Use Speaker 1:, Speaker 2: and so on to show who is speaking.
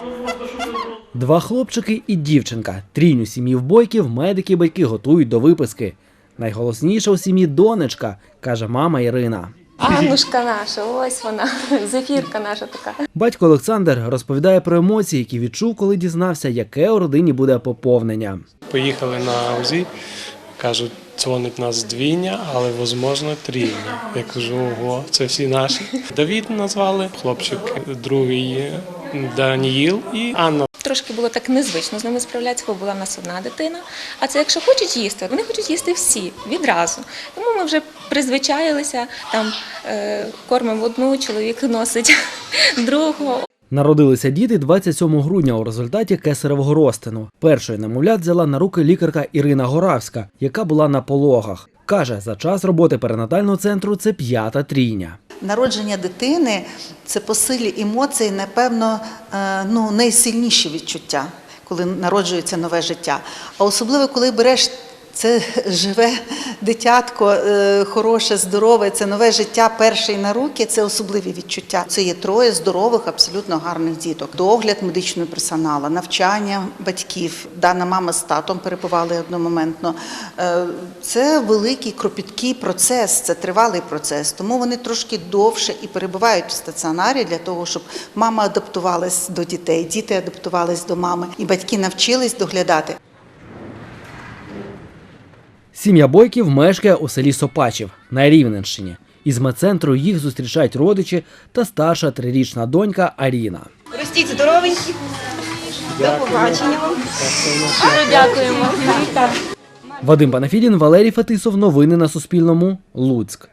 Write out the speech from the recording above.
Speaker 1: Два хлопчики і дівчинка. Трійню сім'ї Бойків медики й батьки готують до виписки. Найголосніша у сім'ї донечка, каже мама Ірина.
Speaker 2: Аннушка наша, ось вона, зефірка наша така.
Speaker 1: Батько Олександр розповідає про емоції, які відчув, коли дізнався, яке у родині буде поповнення.
Speaker 3: Поїхали на УЗІ, кажуть, дзвонить нас двійня, але, можливо, трійня. Я кажу, ого, це всі наші. Давід назвали, хлопчик другий Даніїл і Анна.
Speaker 2: Трошки було так незвично з ними справлятися, бо була в нас одна дитина. А це якщо хочуть їсти, вони хочуть їсти всі, відразу. Тому ми вже призвичаїлися, там кормимо одну, чоловік носить другого.
Speaker 1: Народилися діти 27 грудня у результаті кесаревого розтину. Першою немовлят взяла на руки лікарка Ірина Горавська, яка була на пологах. Каже, за час роботи перинатального центру це 5-та трійня.
Speaker 4: Народження дитини – це по силі емоцій, напевно, найсильніші відчуття, коли народжується нове життя. А особливо, коли береш це живе дитятко, хороше, здорове, це нове життя перший на руки, це особливі відчуття. Це є 3 здорових, абсолютно гарних діток. Догляд медичного персоналу, навчання батьків. Дана мама з татом перебували одномоментно. Це великий, кропіткий процес, це тривалий процес. Тому вони трошки довше і перебувають в стаціонарі для того, щоб мама адаптувалась до дітей, діти адаптувались до мами і батьки навчились доглядати.
Speaker 1: Сім'я Бойків мешкає у селі Сопачів на Рівненщині. Із медцентру їх зустрічають родичі та старша 3-річна донька Аріна.
Speaker 5: Ростіть здоровенькі. До побачення вам.
Speaker 2: Дякуємо.
Speaker 1: Вадим Панафідін, Валерій Фетисов. Новини на Суспільному. Луцьк.